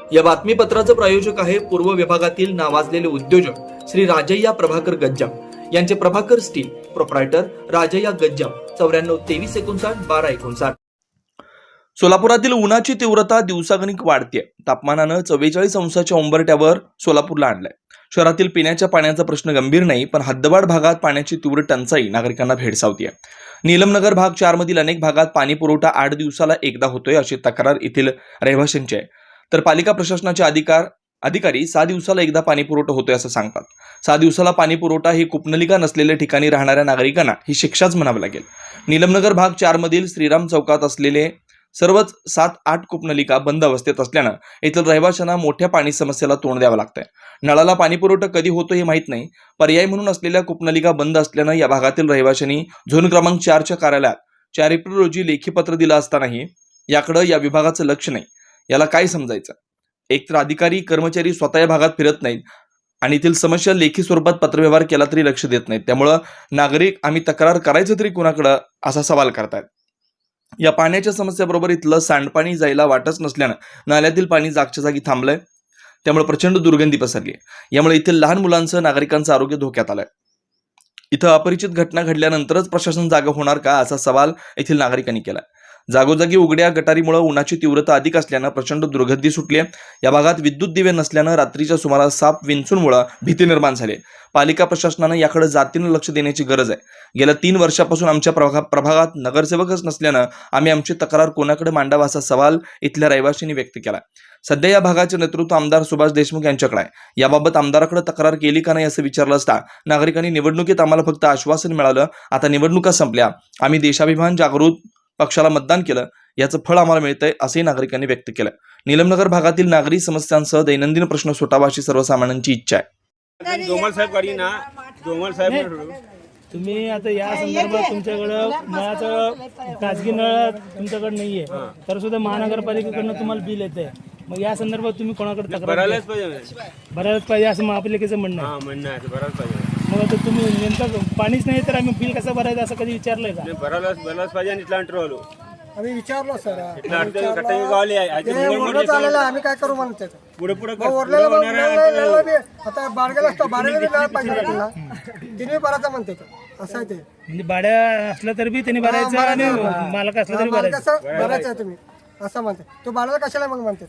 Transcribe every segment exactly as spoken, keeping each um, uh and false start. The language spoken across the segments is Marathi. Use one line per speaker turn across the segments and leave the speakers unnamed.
या बातमीपत्राचं प्रायोजक आहे पूर्व विभागातील नावाजलेले उद्योजक श्री राजय्या प्रभाकर गज्जाम यांचे प्रभाकर स्टील प्रोप्रायटर राजय्या गज्जाम चौऱ्याण्णव तेवीस एकोणसाठ बारा एकोणसाठ. सोलापुरातील उन्हाची तीव्रता दिवसागणिक वाढते. तापमानानं चव्वेचाळीस अंशाच्या उंबरठ्यावर सोलापूरला आणलंय. शहरातील पिण्याच्या पाण्याचा प्रश्न गंभीर नाही, पण हद्दवाढ भागात पाण्याची तीव्र टंचाई नागरिकांना भेडसावतीये. नीलमनगर भाग चार मधील अनेक भागात पाणी पुरवठा आठ दिवसाला एकदा होतोय अशी तक्रार येथील रहिवाशांची आहे. तर पालिका प्रशासनाचे अधिकार अधिकारी सहा दिवसाला एकदा पाणी पुरवठा होतोय असं सांगतात. सहा दिवसाला पाणी पुरवठा ही कूपनलिका नसलेल्या ठिकाणी राहणाऱ्या नागरिकांना ही शिक्षाच म्हणावी लागेल. नीलमनगर भाग चार मधील श्रीराम चौकात असलेले सर्वच सात आठ कूपनलिका बंद अवस्थेत असल्यानं येथील रहिवाशांना मोठ्या पाणी समस्येला तोंड द्यावं लागतंय. नळाला पाणी पुरवठा कधी होतो हे माहीत नाही. पर्याय म्हणून असलेल्या कूपनलिका बंद असल्यानं या भागातील रहिवाशांनी झोन क्रमांक चारच्या कार्यालयात चार एप्रिल रोजी लेखी पत्र दिलं असतानाही याकडे या विभागाचं लक्ष नाही. याला काय समजायचं? एकतर अधिकारी कर्मचारी स्वतः या भागात फिरत नाहीत आणि येथील समस्या लेखी स्वरूपात पत्रव्यवहार केला तरी लक्ष देत नाहीत. त्यामुळं नागरिक आम्ही तक्रार करायचं तरी कुणाकडं असा सवाल करतायत. या पाण्याच्या समस्येबरोबर इथलं सांडपाणी जायला वाटच नसल्यानं नाल्यातील पाणी जागच्या जागी थांबलंय. त्यामुळे प्रचंड दुर्गंधी पसरली आहे. यामुळे इथील लहान मुलांचं नागरिकांचं आरोग्य धोक्यात आलंय. इथं अपरिचित घटना घडल्यानंतरच प्रशासन जागा होणार का असा सवाल येथील नागरिकांनी केलाय. जागोजागी उघड्या गटारीमुळे उन्हाची तीव्रता अधिक असल्यानं प्रचंड दुर्गंधी सुटली आहे. या भागात विद्युत दिवे नसल्यानं रात्रीच्या सुमारास साप विंचूंमुळे भीती निर्माण झाली. पालिका प्रशासनानं याकडे जातीनं लक्ष देण्याची गरज आहे. गेल्या तीन वर्षापासून आमच्या प्रभा प्रभागात नगरसेवकच नसल्यानं आम्ही आमची तक्रार कोणाकडे मांडावा असा सवाल इथल्या रहिवाशांनी व्यक्त केला. सध्या या भागाचे नेतृत्व आमदार सुभाष देशमुख यांच्याकडे आहे. याबाबत आमदाराकडे तक्रार केली का नाही असं विचारलं असता नागरिकांनी निवडणुकीत आम्हाला फक्त आश्वासन मिळालं, आता निवडणुका संपल्या, आम्ही देशाभिमान जागृत पक्षाला मतदान केलं, याचं फळ आम्हाला मिळतंय असंही नागरिकांनी व्यक्त केलं. नीलमनगर भागातील नागरी समस्यांसह दैनंदिन प्रश्न सुटावा अशी सर्वसामान्यांची इच्छा आहे.
जोमल साहेब करी ना जोमल साहेब
तुम्ही आता या संदर्भात तुमच्याकडं नळाचं खाजगी नळ तुमच्याकडे नाहीये तर सुद्धा महानगरपालिकेकडनं तुम्हाला बिल येतंय. मग या संदर्भात तुम्ही कोणाकडे तक्रार
भरायलाच पाहिजे
भरायलाच पाहिजे असं महापालिकेचं म्हणणं आहे.
हा म्हणणं आहे भरायलाच पाहिजे.
मग आता तुम्ही नेमकं पाणीच नाही तर आम्ही बिल कसं भरायचं असं कधी विचारलंय का?
भरायलाच भरायलाच पाहिजे. आणि इथला अंटर आलो
आम्ही विचारलो सर
इथला अंटर कटाई गावली आहे.
चाललेलं आम्ही काय करू म्हणतो
पुढे पुढे
आता बारगेला असतो बारगेला बी नळ पाहिजे तुला तिने भरायचं म्हणते असं आहे ते.
म्हणजे भाड्या असलं तरी बी त्यांनी भरायचं आणि मालक असलं तरी भरायचं.
कसं भरायचं आहे तुम्ही असं म्हणते. तो भाड्याला कशाला मग म्हणते?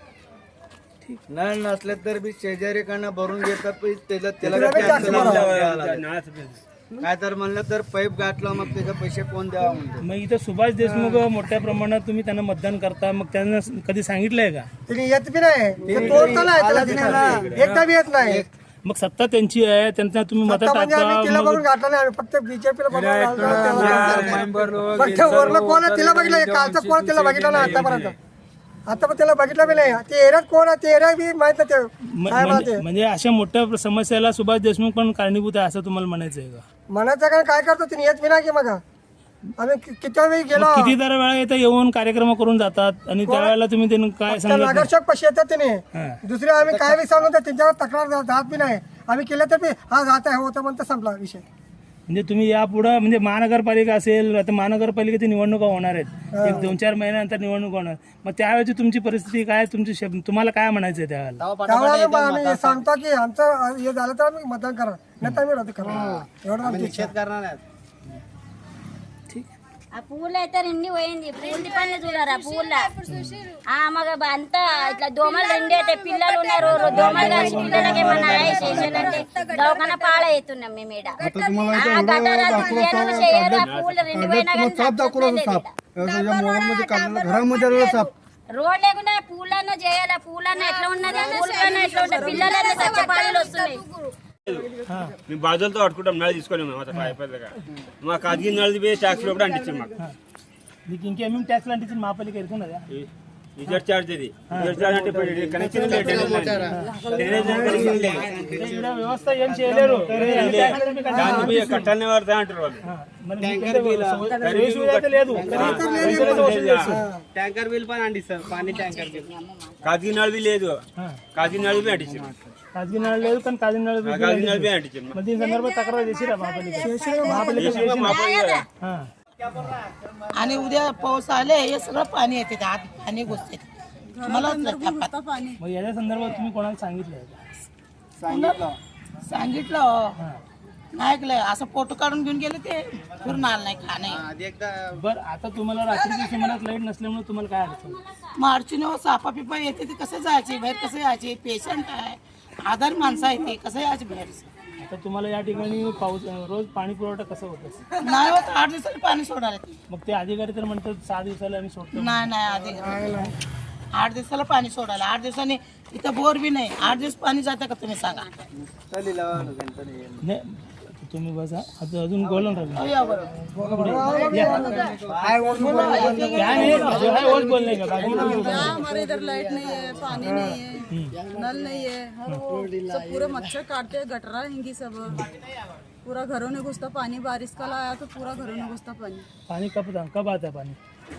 नळ नसले तर बी शेजारीकडनं भरून घेतात. त्याला
तिला बी tax भरावा.
नळाचं
काय तर म्हणलं तर पाईप गाठलं मग त्याचे पैसे कोण द्यावा म्हणतो.
मग इथं सुभाष देशमुख मोठ्या प्रमाणात तुम्ही त्यांना मतदान करता, मग त्यांना कधी सांगितलंय का?
तिने येत बी नाही ते तोडतं नाही त्याला तिथं. एकदा बी येत नाही.
मग सत्ता त्यांची आहे, त्यांना तुम्ही मत
आता म्हणजे आम्ही तिला
टाकता.
बघून गाठलं नाही. आम्ही फक्त बीजेपीला बघून गाठलं. फक्त वरलं कोण आहे तिला बघितलं, कालचं कोण तिला बघितलं नाही आतापर्यंत. आता पण त्याला बघितलं बी नाही. ते एरियात कोण आहे ते एरिया बी माहित नाही. ते
म-
काय
म्हणजे
म्हणते
म्हणजे अशा मोठ्या समस्याला सुभाष देशमुख पण कारणीभूत आहे असं तुम्हाला म्हणायचं आहे का?
म्हणायचं काय काय करतो तिने येत बी नाही की मग आम्ही कि- किती वेळी गेलो.
मग किती दर वेळा इथं येऊन कार्यक्रम करून जातात आणि त्यावेळेला तुम्ही त्यांना काय सांगत नाही?
नगरसेवक पैसे येतात तिने.
हा.
दुसरे आम्ही काय बी सांगू तर त्यांच्यावर तक्रार जा- जात बी नाही. आम्ही केलं तर बी हा जात आहे होतं म्हणतं संपला विषय.
म्हणजे तुम्ही यापुढं म्हणजे महानगरपालिका असेल, आता महानगरपालिकेची निवडणुका होणार आहेत, एक दोन चार महिन्यानंतर निवडणूक होणार, मग त्यावेळेची तुमची परिस्थिती काय, तुमची शब- तुम्हाला काय म्हणायचं आहे त्यावेळेला?
त्यावेळेला आम्ही सांगतो की आमचं हे झालं तर आम्ही मतदान करा, नाही तर आम्ही रद्द करा. एवढं आमची इच्छा आहे.
करणार नाही.
ఆ పూలు అయితే రెండు పోయింది పూలు పని చూడరా పూల ఆ మగ అంతా ఇట్లా దోమలు రెండు అయితే పిల్లలు ఉన్నారు దోమలు కాసి పిల్లలకి ఏమన్నా చేసేయాలంటే దవాఖాన పాడవుతున్నాం మేము ఈడ ఆ గటారాలు తీయను చేయరు ఆ పూలు రెండు పోయినా రోడ్ లేకుండా పూలన్నా చేయాలి. పూలన్నా ఎట్లా ఉన్నది పూలన్నా ఎట్లా ఉంటాయి పిల్లలన్నా చచ్చపాడలు వస్తున్నాయి.
మేము బాధలతో పట్టుకుంటాం నळ తీసుకొని మేము అత అయిపోయిందిగా మా కాజీ నळది పోయి ట్యాక్స్ లో కూడా అంటించాం మాకు.
మీకు ఇంకేమేమి ట్యాక్స్ లాంటి మహాపాలిక ఎదుర్కొన్నదా?
ఇజర్ చార్జ్ ఇది ఇజర్ చార్జ్ అంటే కనెక్షన్
ఈడ వ్యవస్థ ఏం చేయలేరు.
దాన్ని పోయి కట్టాలనే వాడతా అంటారు వాళ్ళు.
మరి మీకైతే సువిధ లేదు.
ట్యాంకర్ బిల్ పని అందిస్తారు. పానీ ట్యాంకర్ బిల్
కాజీ నळది లేదు. కాజీ నळది పోయి అంటించాం.
खाजगी नळ లేదు కానీ కాజీ నळ
కాజీ నळది పోయి అంటించాం.
మరి దీని సందర్భాत तक्रार देशील महापालिका
మాపల్లి
आणि उद्या पाऊस आले हे सगळं पाणी येते आत पाणी घुसते
मग याच्या संदर्भात तुम्ही कोणाला सांगितलंय का?
सांगितलं
सांगितलं हो. नाही ऐकलंय असं फोटो काढून घेऊन गेले ते फिरून आलं नाही का नाही
आधी एकदा
बरं आता तुम्हाला रात्रीच्या सुमारास लाईट नसल्यामुळे तुम्हाला काय अडचण?
मार्चिने सापा पिपा येते ते कसं जायचे बाहेर कसं यायचे पेशंट आहे आधार माणसं आहे ते कसं यायचे बाहेर
आता तुम्हाला या ठिकाणी पाऊस रोज पाणी पुरवठा कसं होतं?
नाही होत आठ दिवसाला पाणी सोडायला ते.
मग ते अधिकारी तर म्हणतात सहा दिवसाला आम्ही सोडतो.
नाही नाही आधी आठ दिवसाला पाणी सोडायला आठ दिवसांनी इथं बोर बी नाही आठ दिवस पाणी जातं का तुम्ही सांगा
तरी लावा गणपती
नाही तुम्ही बसा आता अजून बोलून राहिलं
हो, या बरं.
क्या नहीं जो है वो बोलने का बाकी तो कुछ
क्या हमारे इधर लाइट नहीं है, पानी नहीं है, नल नहीं है, सब पूरे मच्छर काटते हैं, गटरा हैंगी सब, पूरा घरों में घुसता पानी, बारिश का लाया तो पूरा घरों में घुसता पानी।
पानी कब था कब आता है पानी?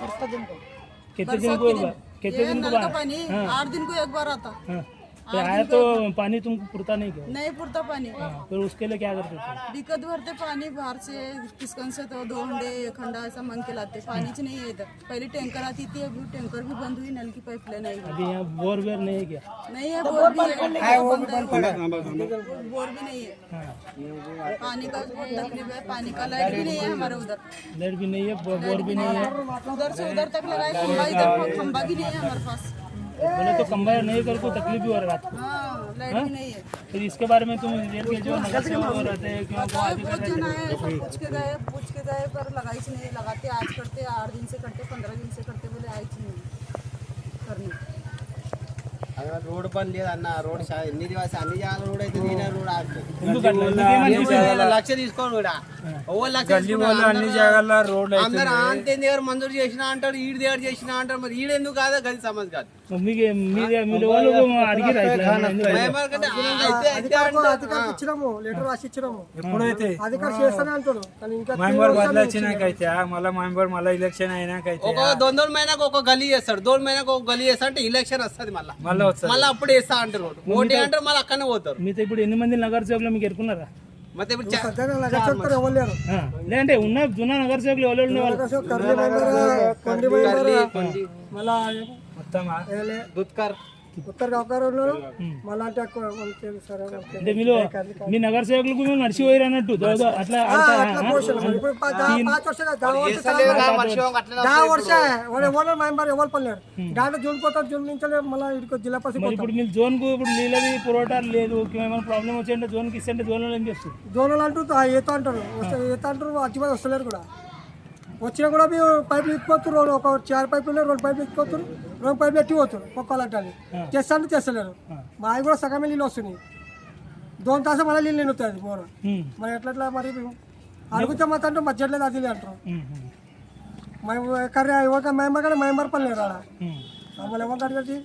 कितने दिन
बरसात
को
के दिन
कितने
ये
दिन को
नल का
बाद?
पानी आठ दिन को एक बार आता,
हाँ तो आया तो पानी तुमको पुरता नहीं क्या?
नहीं पुरता पानी,
हाँ, फिर उसके लिए क्या करते थे?
दिक्कत भरते पानी बाहर से किसकन से तो दो हंडे एक हंडा ऐसा मांग के लाते, पानी च नहीं है इधर। पहले टैंकर आती थी, अभी टैंकर भी बंद हुई, नल की पाइपलाइन आई
अभी यहाँ बोर वेर नहीं है क्या?
नहीं है, बोर भी है, बंद है, बोर भी नहीं है,
हाँ
पानी का बहुत तकलीफ है, पानी का लाइट भी नहीं है हमारे उधर,
लाइट भी नहीं है बो- बोर भी नहीं है।
उधर से उधर तक लगाए खंबा, इधर खंबा भी नहीं है हमारे पास।
बोले तो कंबायर नहीं कर को तकलीफ भी हो रहा है रात को।
हाँ लाइट भी नहीं है।
फिर इसके बारे में तुम रेल के जो नगर सेवक वो रहते हैं क्यों वो
बताओ,
अधिकारी
बहुत जन
रहते
आए, सब पूछ के गए पूछ के गए पर लगाई से नहीं, लगाते आज करते आठ दिन से करते पंद्रह दिन से करते बोले आई थी नहीं करने।
రోడ్ పని లేదు అన్న రోడ్ షా- ఎన్ని దివస అన్ని జాగాల రోడ్ అయితే నేనే రోడ్ ఆడుతుంది
हैं? ఎందుకు అట్లా? ఎందుకు ఏమనిపిస్తుంది?
లక్ష తీసుకోను కూడా ఓ లక్ష అన్ని జాగాల రోడ్ అందరూ అంతే దగ్గర మంజూరు చేసిన అంటాడు ఈడు దగ్గర చేసిన అంటాడు మరి ఈడెందుకు కాదా గది సమజ్ కాదు
మీకు మీ మీ వాళ్ళు అడిగి
భయపడకండి. అయితే అయితే అంటారు.
అధికారికి ఇచ్చినాము లెటర్ రాసి ఇచ్చినాము ఎప్పుడైతే అధికారి చేస్తానే అంటాడు కానీ ఇంకా
బదలాచినాకైతే మళ్ళీ మెంబర్ మళ్ళీ ఎలక్షన్ అయినాకైతే
ఒక దొంద దొండ మైనాకు ఒక గలీ చేస్తాడు దొండ మైనాకు ఒక గలీ చేస్తా అంటే ఎలక్షన్ వస్తుంది మళ్ళీ
మళ్ళీ వస్తుంది
మళ్ళీ అప్పుడు వేస్తా అంటారు ఓటీ అంటారు మళ్ళీ అక్కడనే పోతారు
మీతో ఇప్పుడు ఎన్ని మంది నగర సేవకులు మీకు ఎరుకున్నారా?
ಮತ್ತೆ ఇప్పుడు చా-
సత్యాన్ని నగర చెప్తారు ఎవరు లేరు
ఆ, లేదంటే ఉన్న జున్న నగర సేవకులు ఎవరు ఉండే వాళ్ళు?
కర్రీ మెంబర్ కొండి మెంబర్ మళ్ళా
మొత్తమా
దుత్కర్
ఉత్తర గౌకర్ ఉన్నారు మళ్ళా అంటే ఎక్కువ మనకు తెలుసు సరే మనకి.
అంటే మీరు మీ నగర సేవకులకు మేము నడిచి పోయారు అన్నట్టు దో- దో- అట్లా
ఆ,
అట్లా-
అట్లా
ఆ?
పోషణ మరి. ఇప్పుడు పా- దా- పాంच वर्ष का दहा वर्ष
చేస్తలేరు కదా,
का-
వర్షం అట్లనే
दहा
వస్తుంది
वर्ष आहे వాళ్ళు ఎవరు మెంబర్ ఎవరు పడలేరు దాంట్లో జూన్ పోతారు జూన్ నుంచి మళ్ళీ ఇక్కడికి జిల్లా పరిషత్
మరి ఇప్పుడు మీరు జోన్ కు ఇప్పుడు నీళ్ళది పురవఠా లేదు ఏమైనా ప్రాబ్లం వచ్చింటే జోన్ కి ఇస్తే జోన్ ఏం చేస్తారు?
జోనల్ అంటూ ఈత అంటారు వస్తే ఈత అంటారు అచ్చిపోయి వస్తలేరు కూడా వచ్చినా కూడా మీ పైపులు ఎత్తిపోతారు ఒక చార్ పైపులు ఉన్నాయి రెండు పైపులు ఎత్తిపోతారు రెండు పైపులు ఎట్టిపోతారు ఒక్కోలంటే తెస్తా అంటే తెస్తలేరు మా అవి కూడా సగమే నీళ్ళు వస్తున్నాయి దోన్ తాస మళ్ళీ నీళ్ళు నిండుతుంది బోర్
ఉమ్,
మరి ఎట్లా ఎట్లా మరి అడుగుతే మాత్రం అంటే మధ్యట్లేదు అది ఇది అంటారు
ఉమ్, ఉమ్,
మేము కర్రీ ఇవ్వక మెంబర్ కానీ మెంబర్ పని లేరు ఆడ
ఉమ్.
మమ్మల్ని ఎవరు అడగట్టి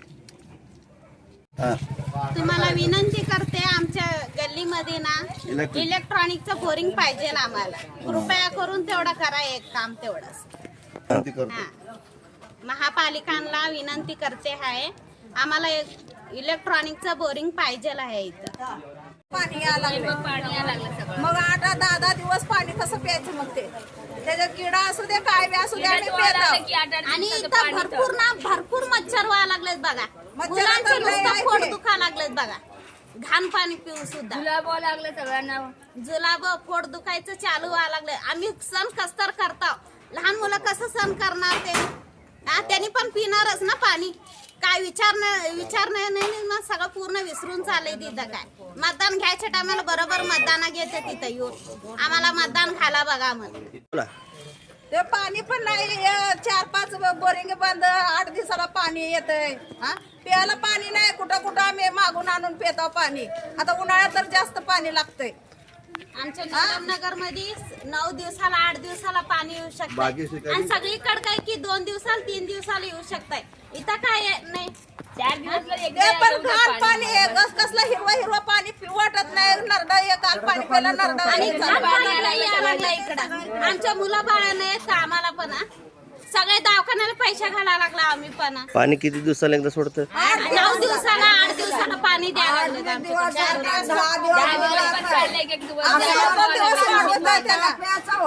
तुम्हाला विनंती करते आमच्या गल्लीमध्ये ना इलेक्ट्रॉनिकचं बोरिंग पाहिजे ना आम्हाला कृपया करून तेवढं करा एक काम तेवढंच हा. महापालिकांना विनंती करते आहे आम्हाला एक इलेक्ट्रॉनिकचं बोरिंग पाहिजे आहे इथं
पाणी यायला लागलं पाणी यायला लागलं सगळं मग आठ दहा दहा दिवस पाणी कसं प्यायचं मग ते त्याच्यात किडा असू दे काय बी असू दे आम्ही पितो.
आणि इथं भरपूर ना भरपूर मच्छर व्हायला लागलेत बघा मुलांचं नुसतं पोट दुखा लागलेत बघा घाण पाणी पिऊ सुद्धा जुलाब लागले सगळ्यांना जुलाब पोट दुखायचं चालू व्हायला लागले आम्ही सण कसतर करतो लहान मुलं कसं सण करणार ते हा त्यांनी पण पिणारच ना पाणी काय विचार विचार नाही नाही ना सगळं पूर्ण विसरून चाललंय तिथं काय मतदान घ्यायच्या टायमाला बरोबर मतदाना घेते तिथं येऊन आम्हाला मतदान घाला बघा म्हणून
ते पाणी पण नाही हे चार पाच बोरिंग बंद आठ दिवसाला पाणी येतंय हा प्यायला पाणी नाही कुठं कुठं आम्ही मागून आणून पितो पाणी आता उन्हाळ्यात तर जास्त पाणी लागतंय
आमच्या नगर मध्ये नऊ दिवसाला आठ दिवसाला पाणी येऊ शकतं आणि सगळीकडे काय की दोन दिवसाला तीन दिवसाला येऊ शकतंय इथं काय नाही चार
ते पण घाण पाणी आहे कस कसलं हिरवं हिरवं पाणी पिऊ वाटत नाही नरडा हे काल पाणी प्यायला नरडा
आणि घाण पाणी यायला लागलं इकडं आमच्या मुलं बाळांना येत आम्हाला पण हा. सगळे दवाखान्याला पैसे घालायला लागला आम्ही पण हा.
पाणी किती दिवसाला एकदा सोडतं?
नऊ दिवसाला आठ दिवसाला पाणी द्यायला लागलं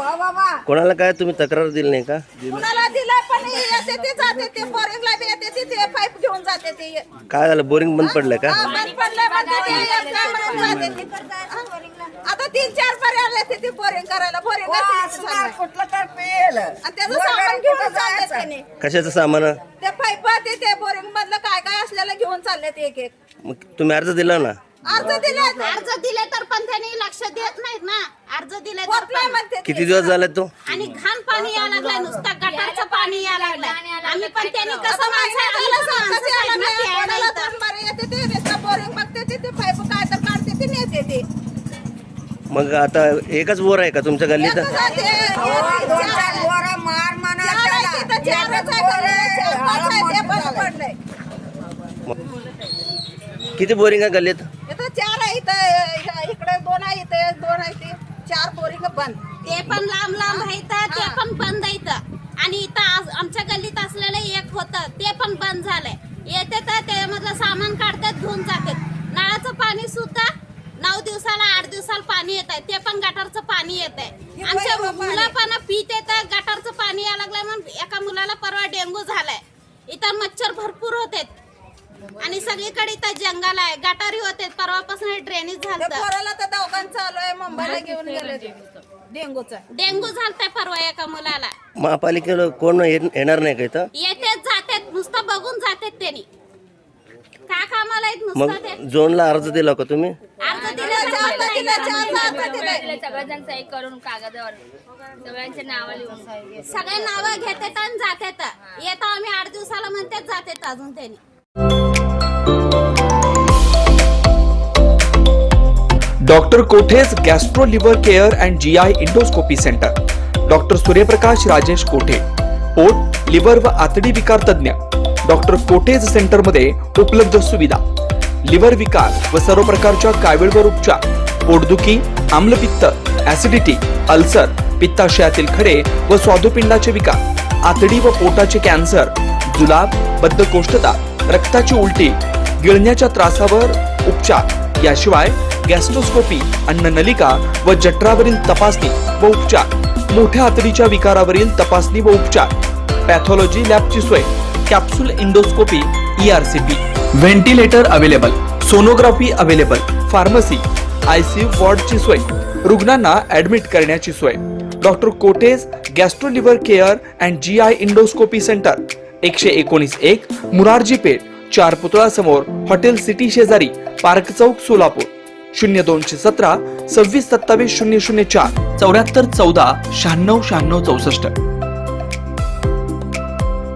कोणाला काय तुम्ही तक्रार दिली नाही का?
कुणाला दिलं पण येते ते जाते ते बोरिंगला बी येते ते ते पाईप घेऊन जाते ते
काय झालं, बोरिंग बंद पडलंय का?
हा, बंद पडलंय म्हणते ते, एक काय म्हणून जाते ते. आता तीन चार पर्याय आले ते बोरिंग करायला. बोरिंग कुठलं तर पेल आणि त्याचं सामान घेऊन चालले त्याने.
कशाचं सामान?
ते पाईप ते ते बोरिंग मधलं काय काय असलेलं घेऊन चालले ते एक एक.
मग तुम्ही अर्ज दिला ना?
अर्ज दिले
अर्ज दिले तर पण त्यांनी लक्ष देत नाहीत ना. अर्ज दिले तर
होत नाही
पण.
म्हणते ते.
किती दिवस झाले तो?
आणि घाण पाणी यायला लागलंय, नुसतं गटारचं पाणी यायला लागलंय. आम्ही पण त्यांनी
आता
कसं
महिना झाला
माणसं-
सांगताच यायला
माणसं
नाही.
प्यायला
कोणाला
इथं.
दोन बारे येते ते नुसतं बोरिंग बघते ते ते पाईप काय तर काढते ते नेते ते.
मग आता एकच बोर आहे का तुमच्या गल्लीत?
एकच आहे ते. चार आहे तिथं, चारच आहे गल्लीला, चार पाच आहे ते बंद पडलंय.
किती बोरिंग आहे गल्लीत?
इथं चार आहे, इथं इकडे दोन आहे, इथं दोन आहे, ते चार बोरिंग बंद.
ते पण लांब लांब आहेत, ते पण बंद आहेत. आणि इथं आज- आमच्या गल्लीत असलेलं एक होतं ते पण बंद झालंय. येते तर त्यामधलं सामान काढतात, घेऊन जातात. नळाचं पाणी सुद्धा नऊ दिवसाला आठ दिवसाला पाणी येत आहे, ते पण गटारचं पाणी येत आहे. आमच्या मुलं पण पित येतं, गटारचं पाणी यायला लागलंय. म्हणून एका मुलाला परवा डेंगू झालाय. इथं मच्छर भरपूर होते आणि सगळीकडे इथं जंगल आहे, गटारी होते. परवापासून ड्रेनेज
ते
झालं.
पोराला तर दवाखान्यात चालू आहे, मुंबईला घेऊन गेले डेंगूचा.
डेंगू झालताय परवा एका मुलाला.
महापालिकेला कोण ये- येणार नाही का इथं?
येतेच जातात, नुसतं बघून जातात त्यांनी. का कामाला आहेत
मग
नुसतं ते.
झोनला अर्ज दिला का तुम्ही?
अर्ज दिले
चार तर दिले, चार अर्ज दिले.
सगळेजण सही करून कागदावर सगळ्यांचे नाव लिहून.
सगळे नावं घेतात आणि जातात. येतो आम्ही आठ दिवसाला म्हणतात, जातात अजून त्यांनी.
Doctor Kothe's gastro liver care and G I endoscopy centre. Doctor Suryaprakash Rajesh कोठे, पोट, लिव्हर व आतडी विकार तज्ञ. डॉक्टर कोठेज सेंटर मध्ये उपलब्ध सुविधा: लिव्हर विकार व सर्व प्रकारच्या कावीळवर उपचार, पोटदुखी, आम्लपित्त, ऍसिडिटी, अल्सर, पित्ताशयातील खडे व स्वादुपिंडाचे विकार, आतडी व पोटाचे कॅन्सर, जुलाब, बद्धकोष्ठता, रक्ताची उलटी, गिळण्याच्या त्रासावर उपचार. याशिवाय गॅस्ट्रोस्कोपी, अन्ननलिका व जठरावरील तपासणी व उपचार, मोठ्या आतडीच्या विकारावरील तपासणी व उपचार, पॅथॉलॉजी लॅबची सोय, capsule endoscopy, E R C P, ventilator available, sonography available, pharmacy, ICU वॉर्डची सोय, रुग्णांना ऍडमिट करण्याची सोय. Doctor Kothe's gastro liver care and G I endoscopy centre, एकशे एकोणीस एक मुरारजी पेठ, चार पुतळा समोर, हॉटेल सिटी शेजारी, पार्क चौक, सोलापूर. शून्य दोनशे सतरा सव्वीस सत्तावीस शून्य शून्य चार चौऱ्याहत्तर चौदा शहाण्णव शहाण्णव चौसष्ट.